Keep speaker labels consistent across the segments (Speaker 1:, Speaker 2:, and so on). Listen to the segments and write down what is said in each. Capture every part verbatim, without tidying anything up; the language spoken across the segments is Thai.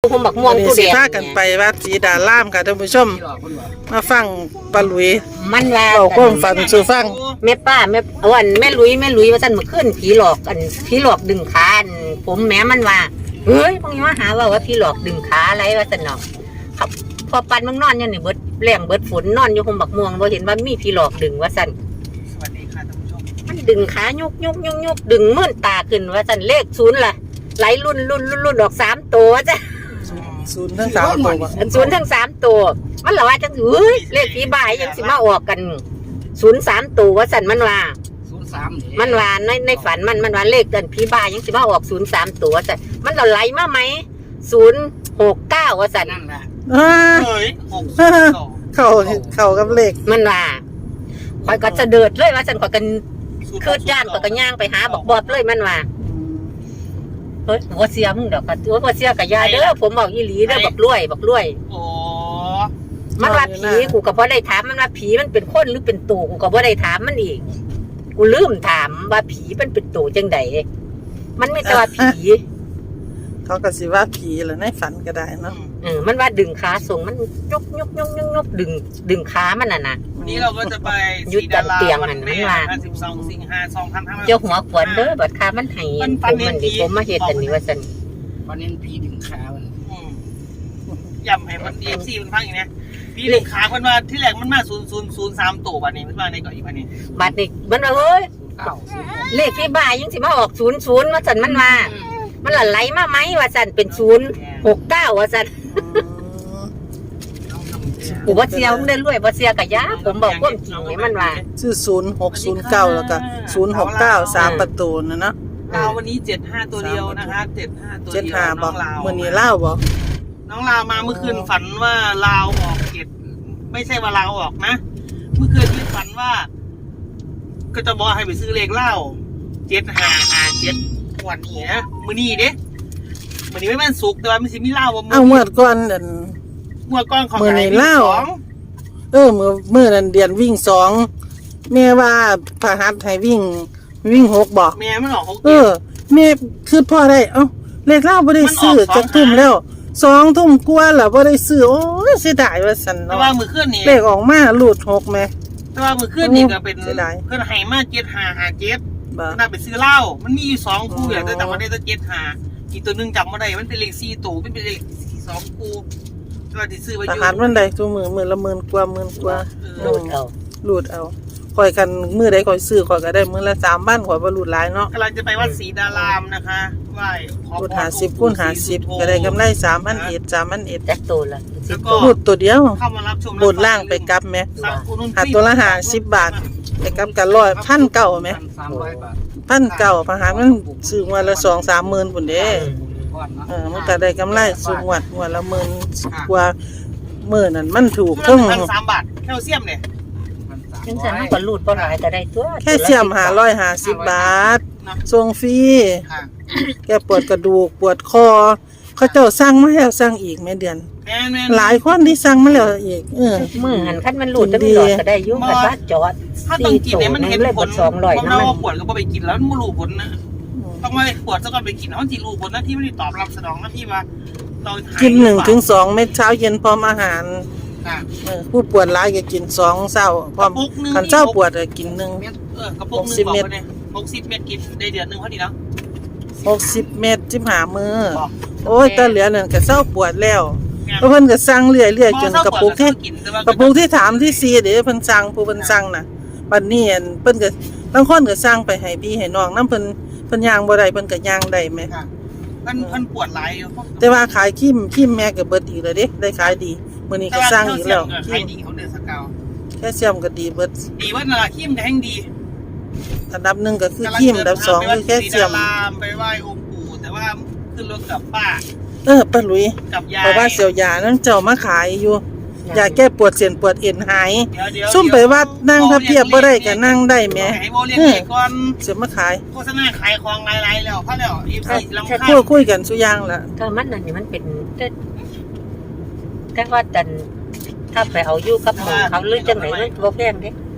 Speaker 1: ผมบักม่วงตู้แดง
Speaker 2: พากันไปวัดศรีดารามค่ะท่านผู้ชมมาฟังปลาหลุย
Speaker 1: มันว่า
Speaker 2: เอาความฝันสู่ฟัง
Speaker 1: แม่ป้าแม่เอาอันแม่ลุยแม่ลุยว่าซั่นเมื่อคืนผีหลอกอันผีหลอกดึงขาอันผมแม่มันว่าเฮ้ยพวกนี้มาหาว่าว่าผีหลอกดึงขาอะไรว่าซั่นเนาะครับพอปันมึงนอนอยู่นี่เบิดแรงเบิดฝนนอนอยู่ผมบักม่วงบ่เห็นว่ามีผีหลอกดึงว่าซั่น
Speaker 3: สวัสดีค่ะท่านผู้ชม
Speaker 1: มันดึงขายุกยุกยุกยุกดึงมื่นตาขึ้นว่าซั่นเลขศูนย์ล่ะไหลรุ่นรุ่นรุ่นออกสามตัวจ้ะ
Speaker 2: ศูนย์ทั้งสามตัว
Speaker 1: ศูนย์ทั้งสามตัวมันละว่าจังเฮ้ยเลขผีบ่ายยังสิมาออกกันศูนย์สามตัวว่าสั่นมันว่า
Speaker 3: ศูนย์สาม
Speaker 1: มันว่าในในฝันมันมันว่าเลขกันผีบ่ายยังสิมาออกศูนย์สามตัวสั่นมันเราไหลมาไหมศูนย์หกเก้าว่าสั่น
Speaker 3: นั่นแหละ
Speaker 2: เฮ้ยเข้าเข้ากับเลข
Speaker 1: มันว่าคอยก็จะเดิดเลยว่าสั่นคอยกันคืดย่านคอยก็ย่างไปหาบอกบอบเลยมันว่าเฮ้ยบัวเสียมึงเดี๋ยวกับตัวบัวเสียกับยาเด้อผมบอกอีหลีเด้อบอกรวยบอกรวย
Speaker 3: โอ้
Speaker 1: มันว่าผีกูก็บ่ได้ถามมันว่าผีมันเป็นคนหรือเป็นตู่กูก็บ่ได้ถามมันอีกกูลืมถามว่าผีมันเป็นตู่จังไดมันไม่แต่ว่าผี
Speaker 2: เขาก็สิว่าผีแหละในฝันก็ได้เนาะ
Speaker 1: เออมันว่าดึงขาส่งมันยกยกยกยกยกดึงดึงขามันน่ะนะ
Speaker 3: วันนี้เราก็จะไป
Speaker 1: ยุดเตียงมันมันว่า
Speaker 3: สิบสองสิงหาสองพันห้าร้อย
Speaker 1: เจ้าหัวขวัญเด้อบัดขามันให้ผมมันดิผมมาเฮ็ดอันนี้ว่าซั่น
Speaker 3: วันนี้ผีดึงขามันย่ำให้มัน เอฟ ซี มันพังอย่างนี้ผีดึงขาคนว่าที่แรกมันมาศูนย์ศูนย์ศูนย์สามตัวบัดนี้มันมาในเกาะอีกบัดนี้
Speaker 1: บัดนี้มันว่าเฮ้ยเลขที่บ้ายังสิมาออกศูนย์ศูนย์ว่าซั่นมันมามันละไหลมาไหมว่าซั่นเป็นศูนย์หกเก้าว่าซั่นกูบ่เสียมึงได้รวยบ่เสียกะยาผมบอกความจริงให้มันว่า
Speaker 2: ชื่อศูนย์หกศูนย์เก้าแล้วก็ศูนย์หกเก้าสามประตูนะเนาะ
Speaker 3: ลาววันนี้เจ็ดห้าตัวเดียวนะคะเจ็ดห้าตัวเดียวน้องลาว
Speaker 2: มื้อนี้ลาวบ่
Speaker 3: น้องลาวมาเมื่อคืนฝันว่าลาวออกเจ็ดไม่ใช่ว่าลาวออกนะเมื่อคืนที่ฝันว่าก็จะบอกให้ไปซื้อเลขเล่าเจ็ดห้าห้าเจ็ดวันนี้นะมื้อนี้เด้มื้อนี้ไม่มันสุกแต่ว่ามันสิมีเล่าว่ามื้อ
Speaker 2: เอาเมื่อก่อนนั่น
Speaker 3: เมื่อก่อนของ
Speaker 2: มื้อนี้เล่าเออมื้อมื้อนั้นเดือนวิ่งสองแม่ว่าพหัสให้วิ่งวิ่งหกบ่
Speaker 3: แม่มันออกหก
Speaker 2: เออแม่คือพ่อได้เอ้าเลขเล่าบ่ได้ซื้อจักทุ่มแล้วสองทุ่มกว่าแล้วบ่ได้ซื้อโอ้ยเสียดายว่าซั่นเนาะ
Speaker 3: แต่ว่ามื้อคืนนี้
Speaker 2: เลขออกมารูดหกแม่
Speaker 3: แต่ว่ามื้อคืนนี้ก็เป็นเพิ่นให้มาเจ็ดห้าห้าเจ็ดน่าไปซื้อเหล้ามันมีอยู่สองคู่แหละแต่จำบ่ได้แต่เจ็ดห้าอีกตัวนึงจำบ่ได้มันเป็นเลขสี่ตัวมันเป็นเลขสองคู่เราสิซื้อไว้อยู่
Speaker 2: ทหารมันได้ทุกมื้อมื้อละหมื่นกว่าหมื่นกว่า
Speaker 1: รูดเอา
Speaker 2: รูดเอาข่อยกันมื้อใดข่อยซื้อข่อยก็ได้มื้อละสามบ้านข่อยบ่รูดหลายเนาะ
Speaker 3: กำลังจะไปวัดศรีดารามนะคะไหว้ขอพร
Speaker 2: ห้าสิบคูณห้าสิบก็ได้กำไรสามพันเอ็ด สามพันเอ็ด
Speaker 1: จักตัวละ
Speaker 3: สิบตัว
Speaker 2: รูดตัวเดียว
Speaker 3: เข้ามารับชม
Speaker 2: บนล่างไปกลับแม่หาตัวละห้าสิบบาทไปกลับกันร้อย หนึ่งพันเก้าร้อยแม่
Speaker 3: สามร้อยบาท
Speaker 2: หนึ่งพันเก้าร้อยพหารมันซื้อวันละ สองถึงสามหมื่นพุ่นเด้เออมันก็ได้กำไรสูงวัดวันละหมื่นกว่ามื้อนั้นมันถูกถึง
Speaker 3: พันสามบาทแคลเซียมเนี่ย
Speaker 1: จังซั่นมันก็รูดบ่หลายก็ได้ตัว
Speaker 2: แค่เสียมห้าร้อยห้าสิบบาทส่งฟรีแกปวดกระดูกปวดคอเขาเจ้าสั่งมาแล้วสั่งอีกแม่เดือนหลายคนที่สั่งมาแล้วอีกเออ
Speaker 1: มื้อหันคันมันรูดจังหลอดก็ได้อยู่แต่ว่าจอด
Speaker 3: ถ้าต้องกินเนี่ยมันเห็นผลสองร้อยนะมันปวดก็บ่ไปกินแล้วมันบ่รู้ผลนะต้องมาปวดซะก่อนไปกินเฮาสิรู้ผลนะที่ไม่ได้ตอบรับสนองนะที่ว่าเรา
Speaker 2: กินหนึ่งถึงสองเม็ดเช้าเย็นพร้อมอาหารผู้ปวดร้ายก็กินสองเช้าพร้อมคันเช้าปวดก็กินหนึ่ง
Speaker 3: เออกระปุกนึงบอกไปเนี่ยหกสิบเม็ดกินได้เดือนนึงพอดีแล้ว
Speaker 2: หกสิบเม็ดสิบห้ามื้อโอ้ยตาเหลือนั่นก็เช้าปวดแล้วเพิ่นก็สั่งเรื่อยๆจนกระปุกที่กระปุกที่ถามที่สี่เด้เพิ่นสั่งผู้เพิ่นสั่งน่ะบัดนี้เพิ่นก็บางคนก็สั่งไปให้พี่ให้น้องนำเพิ่นเพิ่นย่างบ่ได้เพิ่นก็ย่างได้แม่
Speaker 3: เพิ่นเพิ่นปวดหลายอยู่
Speaker 2: แต่ว่าขายครีมครีมแม่ก็เบิดอีกแล้วเด้ได้ขายดีมื้อนี้ก็สร้างอีกแล้ว
Speaker 3: ขายดีของเดือนสกาว
Speaker 2: แค่เสียมก็ดีเบิด
Speaker 3: ดีว่าน่ะครีมก็แห่งดี
Speaker 2: อันดับหนึ่งก็คือครีมอันดับสองคือแค่เสียม
Speaker 3: ไปไหว้องค์ปู่แต่ว่าขึ้นรถกับป้า
Speaker 2: เออป้าหลุยเพราะว่าเสี่ยวยานั้นเจ้ามาขายอยู่ยาแก้ปวดเส้นปวดเอ็นหายซุ่มไปวัดนั่งถ้าเพียบบ่ได้ก็นั่งได้แหมเออเสิมาขาย
Speaker 3: โฆษณาขายของหลายๆแล้วพอแล้ว อี เอฟ ซี ลำคาญ
Speaker 2: คุยคุยกันซุอย่างล่ะ
Speaker 1: ก็มันนั่นนี่มันเป็นแต่ว่าแต่ถ้าไปเอาอยู่กับหมู่เขาหรือจังไหนมันบ่แพงเด้
Speaker 3: ม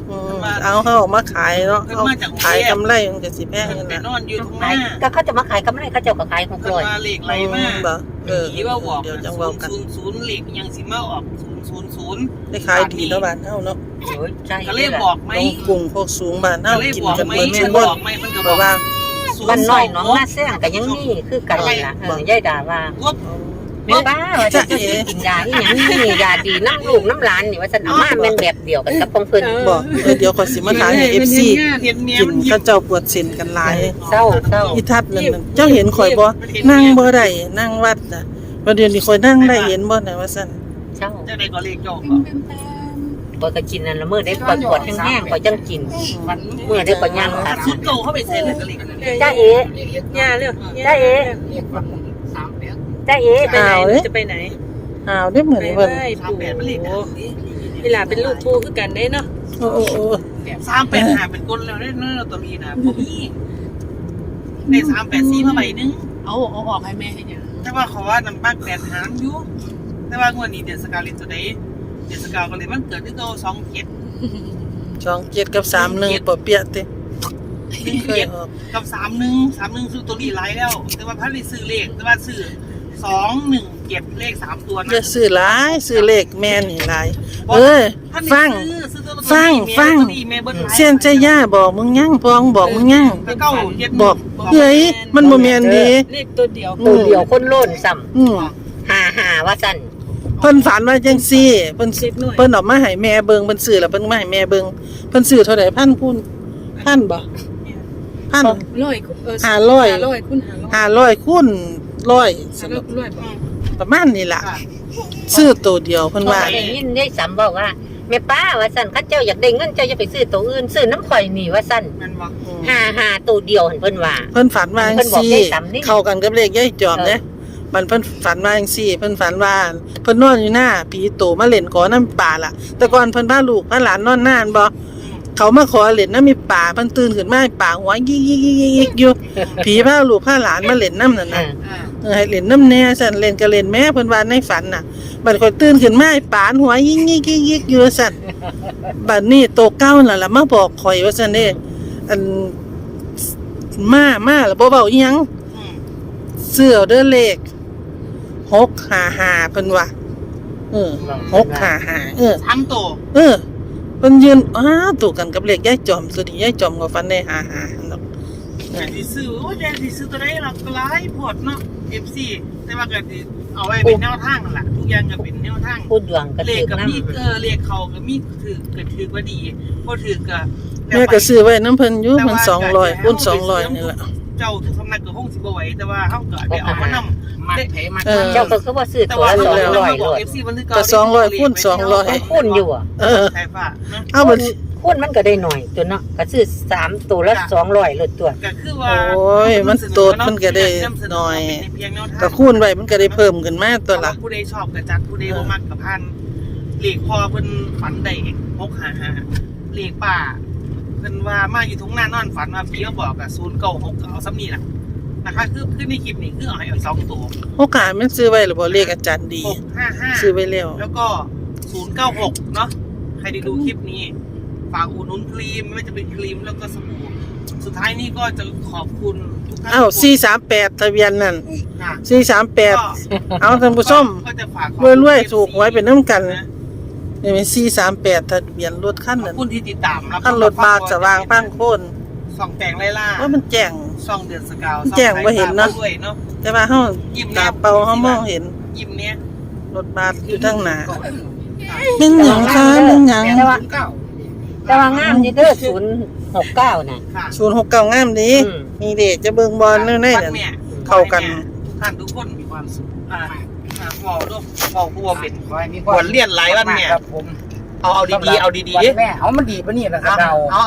Speaker 2: เอาเขาออกมาขายเนาะเอาขายกำไรมันก็สิแพง
Speaker 3: เพิ่น
Speaker 2: นั่น
Speaker 3: ไป
Speaker 2: น่ะ
Speaker 3: นอนอยู่ตรงห
Speaker 1: ขา
Speaker 3: น้าย
Speaker 1: ก็เขาจะมาขายกำไรเขาเจ้าก็ขายหก
Speaker 3: เพิ่น
Speaker 1: ร้อย
Speaker 3: มาเลขไหลมา
Speaker 2: บ่เออ
Speaker 3: ผีว่าบอก
Speaker 2: เดี๋ยวจัง
Speaker 3: ศู
Speaker 2: เว้าน
Speaker 3: ย์
Speaker 2: กัน
Speaker 3: ศูนย์ศูนย์เลขยังสิมาออกศูนย์ศูนย์ศูนย์
Speaker 2: ได้ขายดีเนาะบ้านเฮาเนาะ
Speaker 1: โอ้ยใช่
Speaker 3: ก็เลยบอกไหม
Speaker 2: ลงกรุงพวกสูงบ้านเฮา
Speaker 3: ก็เลย
Speaker 2: กิน
Speaker 3: บอก
Speaker 2: กัน
Speaker 3: ไหม
Speaker 2: เบิด
Speaker 3: แม่
Speaker 2: ซุ
Speaker 3: บ
Speaker 2: บ่
Speaker 3: อกไหมมันก็บ
Speaker 2: เพ
Speaker 3: อก
Speaker 2: ราะว่า
Speaker 1: บ้านน้อยน้องนาแซงก็ยังมีคือกันนี่ล่ะเออยายด่าว่า
Speaker 3: งบ
Speaker 1: แม่บ้าว่าจะจะกินยาอีหยังนี่ยาดีน้ำลูกน้ำหลานนี่ว่าฉันเอามาแม่นแบบเดียวกันกับของเพิ่น
Speaker 2: บอกเออเดี๋ยวขอยสิมาถ่ายให้ เอฟ ซี
Speaker 3: เห็นเมีย
Speaker 2: กิน
Speaker 3: มันหยิ
Speaker 2: เขา
Speaker 3: บ
Speaker 2: เจ้าปวดเส้นกันหลาย
Speaker 1: เศร้าเศร้า
Speaker 2: อีทัดนั่นน่ะเจ้าเห็นข่อยบ่นั่งบ่ได้นั่งวัดน่ะประเดี๋ยวนี้ข่อยนั่งได้เห็นบ่น่ะว่าซั่น
Speaker 1: เศร้า
Speaker 3: จะได้ก็เลขโจก
Speaker 1: ปอยก็กินนั่นละมื้อได้ปวดปวดแห้งๆปอยจังกินมื้อได้ก็ย่างขาด
Speaker 3: สุดโตเข้าไปเซ็นเลยก็เลข
Speaker 1: จ้าเอ๋
Speaker 4: ย่าเร็ว
Speaker 1: จ้าเอ๋จ้าเอ๋
Speaker 4: ไปไหนหนูจะไปไหน
Speaker 2: อ้าวได้เหมือน
Speaker 4: ไป
Speaker 2: เพิ่น
Speaker 4: ไหว้ปู่เวลาเป็นลูกปู่คือกันได้เนาะ
Speaker 2: โอ้โอ้
Speaker 3: สามแปดหาเป็นก้นแล้วได้เนาะตัวนี้นะผมมีในสามแปดสี่มาใบนึง
Speaker 4: เอาเอาออกให้แม่ให้ยัง
Speaker 3: แต่ว่าเขาว่าน้ำปักแปดหางอยู่แต่ว่างวดนี้เดือนสกาวลินตัวใดเดือนสกาวก็เลยมันเกิดที่โตสองเจ็ด
Speaker 2: สองเจ็ดกับสามหนึ่งบ่เปียติ
Speaker 3: หนึ่ง
Speaker 2: เคย
Speaker 3: เจ็ด
Speaker 2: ออก
Speaker 3: กับสามหนึ่งสามหนึ่งซื้อตัวนี้ไลท์แล้ว แต่ว่าพันได้ซื้อเลขแต่ว่าซื้อสองหนึ่งเจ็ดเลขสามตัว
Speaker 2: อย่า
Speaker 3: นะ
Speaker 2: ซื้อหลายซื้อเลขแม่นนี่หลายเอ้ย
Speaker 3: ท่าน
Speaker 2: ฟัง
Speaker 3: ซื้อซื้อตัว
Speaker 2: ฟังฟัง เสียนใจย่าบอกมึงยังพองบอกมึงยัง
Speaker 3: เก้าเจ็ด
Speaker 2: บอกเฮ้ยมันบ่แม่นดี
Speaker 4: เลขตัวเดียว
Speaker 1: ตัวเดียวคนโล่นซ้
Speaker 2: อืม
Speaker 1: ำหาหาว่าซั่น
Speaker 2: เพิ่นฝันว่าจังซี่เพิ่นเพิ่นเออกมาให้แม่เบิ่งเพิ่นซื้อแล้วเพิ่นมาให้แม่เบิ่งเพิ่นซื้อเท่าใดพันคูณพันบ่พัน
Speaker 4: ร้อยเออ
Speaker 2: ห้าร้อย
Speaker 4: ห้าร้อยคุณห้าร้อย
Speaker 2: ห้าร้อยคูณร้อย
Speaker 4: ห้าร้อยร้อยบาท
Speaker 2: ประมาณนี้ล่ะซื้อตัวเดียวเพิ่นว่า
Speaker 1: ได้ยินได้ซ้ำบอกว่าแม่ป้าว่าซั่นคันเจ้าอยากได้เงินเจ้าอย่าไปซื้อตัวอื่นซื้อน้ำข่อยนี่ว่าซั่น
Speaker 3: มันบอก
Speaker 2: อืม
Speaker 1: หาหาตัวเดียวหั่นเพิ่นว่า
Speaker 2: เพิ่นฝันว่าจั
Speaker 1: เพิ่
Speaker 2: ง
Speaker 1: นบอก
Speaker 2: ซี่
Speaker 1: ได้ซ้ำนี่
Speaker 2: เข้ากันกับเลขยายจอมเด้มันเพิ่นฝันว่าจังซี่เพิ่นฝันว่าเพิ่นนอนอยู่หน้าผีโตมาเล่นขอน้ำป่าล่ะ แต่ก่อนเพิ่นพาลูกพาหลานนอนนานบ่เขามาขอเล่นน้ำมีป่าเพิ่นตื่นขึ้นมาป่าหัวยิกๆๆๆอยู่ผีพาลูกพาหลานมาเล่นน้ำนั่น
Speaker 1: อ่า
Speaker 2: น่ะเออให้เล่นน้ำแน่ซั่นเล่นก็เล่นแม่เพิ่นว่าในฝันน่ะบัดข่อยตื่นขึ้นมาไอ้ป่านหัวยิกๆๆๆอยู่ซั่นบัดนี้โตเก้านั่นล่ะมาบอกข่อยว่าซั่นเด้อันมามาแล้วบ่เว้าอีหยัง เสื้อเด้อเลขหกห้าห้าเพิ่นว่าเออหกห้าห้าเออ
Speaker 3: สามโต
Speaker 2: เออเพิ่นยืนอ้าตู่กันกับเลขยายจอมตัวนี้ยายจอมก็ฟันได้ห้าห้าเนาะ
Speaker 3: แต่ที่ซื้อโอ้ยแต่ที่ซื้อตัวใดเราก็หลายพอดเนาะ เอฟ ซี แต่ว่าก็สิเอาไว้เป็นแนวทางนั่นล่ะทุกอย่างก็เป็นแนวทาง
Speaker 1: พูดดวงก็
Speaker 3: เล
Speaker 1: ถื
Speaker 3: ข
Speaker 1: อ
Speaker 3: กับ
Speaker 1: นำ
Speaker 3: มีเออเลขเขาก็มีถือเกิดถือว่าดีบ่ถือก็
Speaker 2: แม่ก็ซื้อไว้น้ำเพิ่นอยู่มันสองร้อยคูณสองร้อยนี่ล่ะ
Speaker 3: เจ้าทุกสำนักก็คงสิบ่ไหวแต่ว่าเฮาก็ได้เอามานำ
Speaker 5: มัดไผมัด
Speaker 2: เออ
Speaker 1: เจ้าก็คือว่าซื้อ
Speaker 3: แต่
Speaker 1: ตัว
Speaker 3: ว่า
Speaker 1: ละ
Speaker 3: เรา
Speaker 1: สองร้อย
Speaker 3: บ
Speaker 1: โล
Speaker 3: อก
Speaker 1: ด
Speaker 3: เอฟ ซี มันคือ
Speaker 2: ก็สองร้อยคูณสองร้อย
Speaker 1: มันคูณอยู่อ่ะ
Speaker 2: เออ
Speaker 3: ใช่ป่ะเนาะ
Speaker 2: เอาบัด
Speaker 1: คูณมันก็ได้หน่อยตัวเนาะก็ซื้อสามตัวละสองร้อยโลดตัว
Speaker 3: ก็คือว่า
Speaker 2: โอ้ยมันโตดมันก็ได้หน่อยก็คูณไว้มันก็ได้เพิ่มขึ้นมาตัวละ
Speaker 3: ผู้ใดชอบก็จัดผู้ใดบ่มักก็พันเลขพอเพิ่นฝันได้หกห้าห้าเลขป้าเพิ่นว่ามาอยู่ทุ่งนานอนฝันว่าพี่มาบอกก็ศูนย์เก้าหกก็เอาซ้ำนี่ล่ะนะคะคือคือในคลิปนี้คือเอาให้เอาสองตัว
Speaker 2: โอกาสมันซื้อไว้หรือบ่เลขอาจารย์ดี
Speaker 3: หกห้าห้า
Speaker 2: ซื้อไว้แล้ว
Speaker 3: แล้วก็ศูนย์เก้าหกเนาะใครได้ดูคลิปนี้ฝากอุดหนุนครีมไม่ว่าจะเป็นครีมแล้วก็สบู่สุดท้ายนี้ก็จะขอบคุณทุกท่าน
Speaker 2: อ้าวสี่สามแปดทะเบียนนั่น
Speaker 3: ค่ะ
Speaker 2: สี่สามแปด
Speaker 3: ก็
Speaker 2: เอาท่านผู้ชม
Speaker 3: ก็จะฝากขอบ
Speaker 2: รวย
Speaker 3: คุณ
Speaker 2: รวยถูกหวยเป็นน้ำกัน
Speaker 3: นะ
Speaker 2: นี่เป็นสี่สามแปดทะเบียนรถขั้น
Speaker 3: ขอ
Speaker 2: นั้
Speaker 3: บ
Speaker 2: น
Speaker 3: คุณที่ติดตามรับ
Speaker 2: ขั้นรถบาสสว่างพังโคน
Speaker 3: ส่องแต่งไล่ล่า
Speaker 2: ว่ามันแจ้ง
Speaker 3: ส่องเดือนสกาว
Speaker 2: แจ้งบ่เห็นเนาะ
Speaker 3: ส่องสายตาด้วยเนาะ
Speaker 2: แต่ว่าเฮาตาเปล่าเฮามองเห็น
Speaker 3: ยิ้มเนี้ย
Speaker 2: รถบัสอยู่ทางหน้าหนึ่งหยังคะหนึ่งหยัง
Speaker 1: แต่ว่าแต่ว่างามนี่เด้อศูนย์หกเก้าน่ะ
Speaker 3: ค่ะ
Speaker 2: ศูนย์หกเก้างามดี
Speaker 1: อืม
Speaker 2: นี่เด็กจะเบิ่งบอลแน่ๆ
Speaker 3: วั
Speaker 2: นั่
Speaker 3: ด
Speaker 2: น
Speaker 3: แม่
Speaker 2: เข้ากัน
Speaker 3: ทุกท่านทุกคนมีความสุขอ่าอ่าหมอลูกหมอบัวเป็น
Speaker 5: ขอให้มี
Speaker 3: ขวัญเลี่ยนหลายวันเนี่ย
Speaker 5: ครับผม
Speaker 3: เอาเอาดีๆเอาดีๆ
Speaker 5: วั
Speaker 3: ดิ
Speaker 5: นแม่เอามันดีปะนี่ล่ะครั
Speaker 3: เอา
Speaker 5: บเรา
Speaker 3: เอาเอา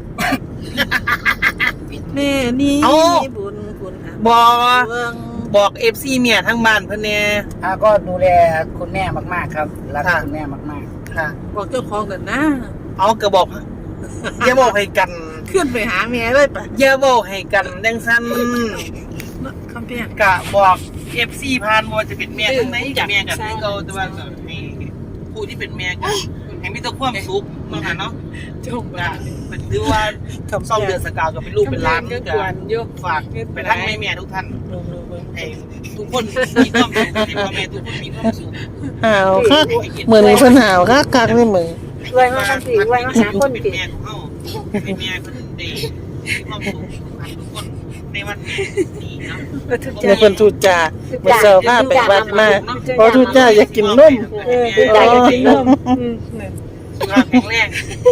Speaker 2: แม่นี่
Speaker 3: เอ้า
Speaker 2: บุญคุณหา
Speaker 3: บอก
Speaker 2: เบิ่ง
Speaker 3: บอกเอฟซีเมียทั้งบ้านเพื่อนเนี่ย
Speaker 5: อ่าก็ดูแลคุณแม่มากๆครับรัก
Speaker 3: ค่ะ
Speaker 5: คุณแม่มาก
Speaker 3: ค่ะ
Speaker 2: บอกเจ้าของกันนะ
Speaker 3: เอากระบอกอย่าบอกให้กัน
Speaker 2: ขึ้นไปหาแม่เลยปะ
Speaker 3: อย่าบอกให้กันดังสั้น
Speaker 2: คำแพง
Speaker 3: กะบอกเอฟซีพานว่าจะเป็นแม่ทั้งไหนกับแม่กับพี่เขาแต่ว่าก็ให้ผู้ที่เป็นแม่กันให้มีแต่ความสุขเนาะค่ะเนาะ
Speaker 4: จง
Speaker 3: ก็
Speaker 4: ว่า
Speaker 3: เป็นถือว่า
Speaker 2: คำ
Speaker 3: ซ่อม
Speaker 2: แพ
Speaker 3: เดือง นสกาวกับเป็นลูกเป็นหล้าน
Speaker 4: ก็
Speaker 3: ก็
Speaker 4: กวนอยู่
Speaker 3: ฝากไปทั้งแม่แม่ทุกท่าน
Speaker 2: ลงๆเบิ่ง
Speaker 3: ให้ทุกคนมีความสุขให้พ่อแม่ทุกคนมีความสุข
Speaker 2: หาวคักเหมือนมีเพิ่นหาวคักคักเลยมึง
Speaker 1: รวยมากันสิรวยมาหาคน
Speaker 3: เป็น
Speaker 1: สิ
Speaker 3: แม่ของเฮาเป็นแม่เพิ่นได้มีความสุขทุกคนในวันแม่นี้เนาะ
Speaker 2: ในเพิ่นทูตจาเมื่อเช้าพาไปวัดมาพอทูตจาอยากกินนม
Speaker 1: เออคือใจจะกินนม
Speaker 4: อืมนั่น
Speaker 3: สุขภาพแข็งแรง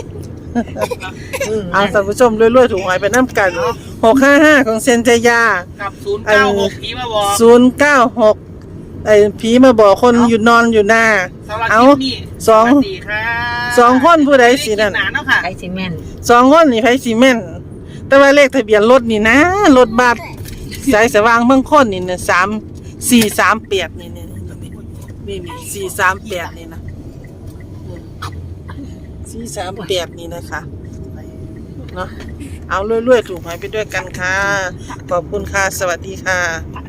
Speaker 2: เอาท่านผู้ชมรวยๆถูกหวยไปน้ำกันหกห้าห้าของเซนจยา
Speaker 3: กับศูนย์เก้าหกผีมาบอก
Speaker 2: ศูนย์เก้าหกไอ้ผีมาบอกคนอยู่นอนอยู่หน้า
Speaker 3: สำหรับ
Speaker 2: เอา
Speaker 3: คลิปนี้
Speaker 2: สอง
Speaker 3: สวัสดีครับ
Speaker 2: สองคนผู้ใดสินั่น
Speaker 3: คลิปหาเนาะค่ะ
Speaker 1: ไอซีเมนต์
Speaker 2: สองคนนี่ไผซีเมนต์แต่ว่าเลขทะเบียนรถนี่นะรถบัสสายสว่างเมืองคนนี่นะสามสี่สามแปดนี่นี่นี่นี่สี่สามแปดนี่นะสี่สามแปดนี่นะคะเนาะเอาเรื่อยๆถูกหวยไปด้วยกันค่ะขอบคุณค่ะสวัสดีค่ะ